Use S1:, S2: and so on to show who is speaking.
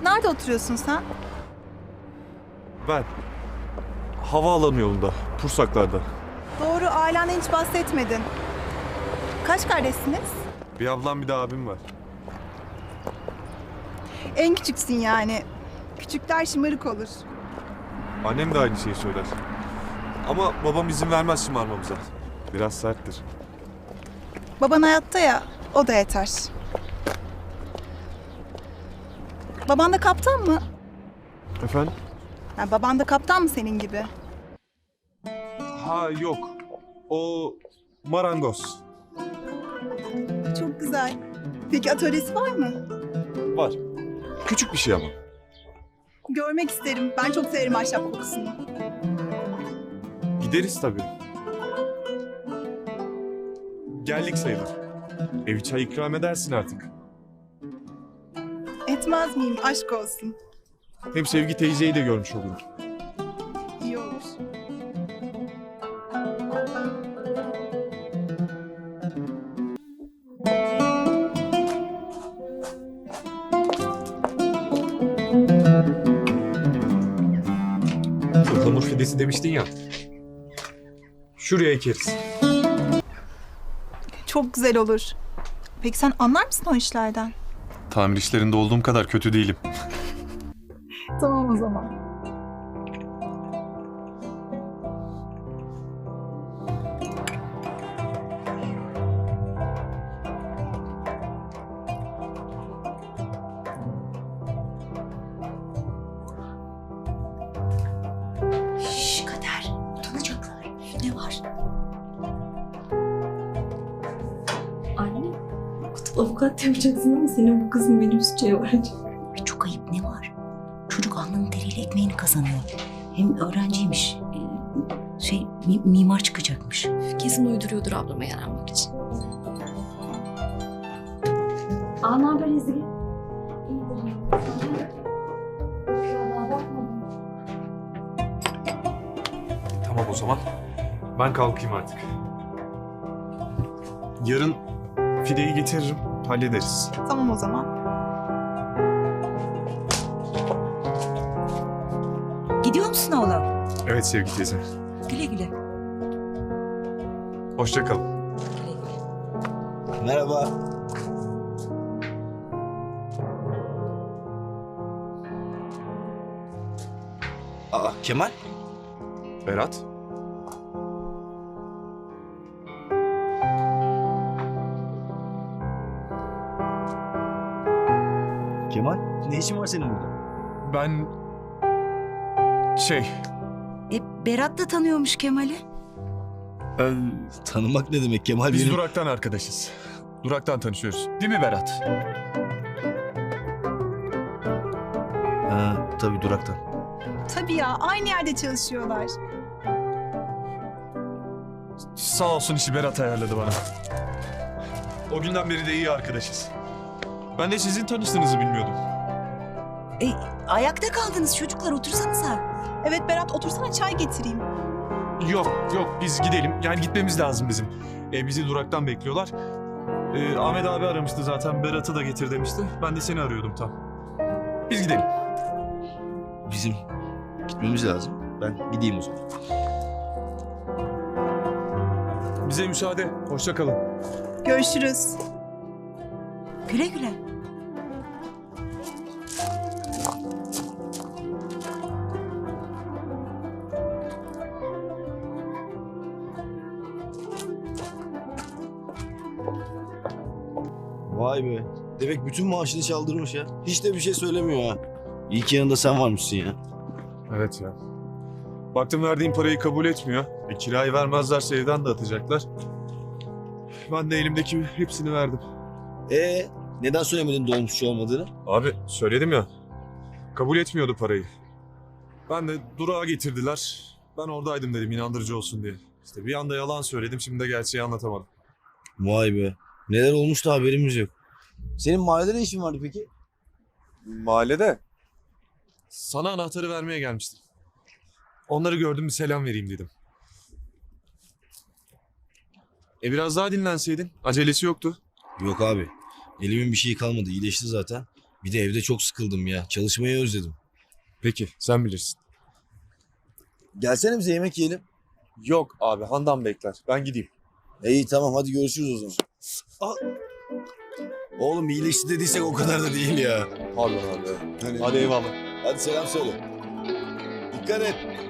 S1: Nerede oturuyorsun sen?
S2: Ben havaalanı yolunda, Pursaklar'da.
S1: Doğru, ailenden hiç bahsetmedin. Kaç kardeşsiniz?
S2: Bir ablam bir de abim var.
S1: En küçüksün yani. Küçükler şımarık olur.
S2: Annem de aynı şeyi söyler. Ama babam izin vermez şımarmamıza. Biraz serttir.
S1: Baban hayatta ya, o da yeter. Baban da kaptan mı?
S2: Efendim?
S1: Yani baban da kaptan mı senin gibi?
S2: Ha yok. O marangoz.
S1: Çok güzel. Peki atölyesi var mı?
S2: Var. Küçük bir şey ama.
S1: Görmek isterim. Ben çok severim ahşap kokusunu.
S2: Gideriz tabii. Geldik sayılır. Evi çay ikram edersin artık.
S1: Etmez miyim? Aşk olsun.
S2: Hem Sevgi teyzeyi de görmüş olurum.
S1: İyi olur.
S2: Ihlamur fidesi demiştin ya. Şuraya ekeriz.
S1: Çok güzel olur. Peki sen anlar mısın o işlerden?
S2: Tamir işlerinde olduğum kadar kötü değilim.
S1: Tamam o zaman.
S3: Şşş Kader, utanacaklar. Ne var?
S4: Anne, avukat yapacaksın ama senin bu kızın benim suçaya varacak.
S3: Ay çok ayıp, ne var? Çocuk alnının teriyle ekmeğini kazanıyor. Hem öğrenciymiş. Mimar çıkacakmış.
S4: Kesin uyduruyordur ablama yaranmak için. Aa, ne haber Ezgi? İyidir. Daha bakmadım.
S2: Tamam o zaman. Ben kalkayım artık. Yarın fideyi getiririm. Hallederiz.
S1: Tamam o zaman.
S3: Gidiyor musun oğlum?
S2: Evet Sevgi teyze.
S3: Güle güle.
S2: Hoşça kal.
S3: Güle güle.
S5: Merhaba. Aa, Kemal?
S2: Berat.
S5: Kemal, ne işin var senin burada?
S2: Ben...
S3: Berat da tanıyormuş Kemal'i.
S5: Tanımak ne demek Kemal
S2: Biz
S5: benim?
S2: Durak'tan arkadaşız. Durak'tan tanışıyoruz. Değil mi Berat?
S5: Ha, tabii Durak'tan.
S1: Tabii ya, aynı yerde çalışıyorlar.
S2: Sağ olsun işi Berat ayarladı bana. O günden beri de iyi arkadaşız. Ben de sizin tanıştığınızı bilmiyordum.
S3: Ayakta kaldınız çocuklar, otursanıza.
S1: Evet Berat, otursana çay getireyim.
S2: Yok biz gidelim. Yani gitmemiz lazım bizim. Bizi Durak'tan bekliyorlar. Ahmet abi aramıştı zaten. Berat'ı da getir demişti. Ben de seni arıyordum tam. Biz gidelim.
S5: Bizim gitmemiz lazım. Ben gideyim o zaman.
S2: Bize müsaade. Hoşça kalın.
S1: Görüşürüz.
S3: Güle güle.
S5: Vay be. Demek bütün maaşını çaldırmış ya. Hiç de bir şey söylemiyor ha. İyi ki yanında sen varmışsın ya.
S2: Evet ya. Baktım verdiğim parayı kabul etmiyor. Kirayı vermezlerse evden de atacaklar. Ben de elimdeki hepsini verdim.
S5: Neden söylemedin dolmuşçu olmadığını?
S2: Abi söyledim ya. Kabul etmiyordu parayı. Ben de durağa getirdiler. Ben oradaydım dedim inandırıcı olsun diye. İşte bir anda yalan söyledim, şimdi de gerçeği anlatamadım.
S5: Vay be. Neler olmuş da haberimiz yok. Senin mahallede ne işin vardı peki?
S2: Mahallede. Sana anahtarı vermeye gelmiştim. Onları gördüm, bir selam vereyim dedim. Biraz daha dinlenseydin. Acelesi yoktu.
S5: Yok abi. Elimin bir şeyi kalmadı. İyileşti zaten. Bir de evde çok sıkıldım ya. Çalışmayı özledim.
S2: Peki sen bilirsin.
S5: Gelsene bize yemek yiyelim.
S2: Yok abi Handan bekler. Ben gideyim.
S5: İyi tamam hadi görüşürüz o zaman. Oğlum iyileşti dediysek o kadar da değil ya.
S2: Pardon abi.
S5: Hani-
S2: Hadi eyvallah.
S5: Hadi selam söyle. Dikkat et.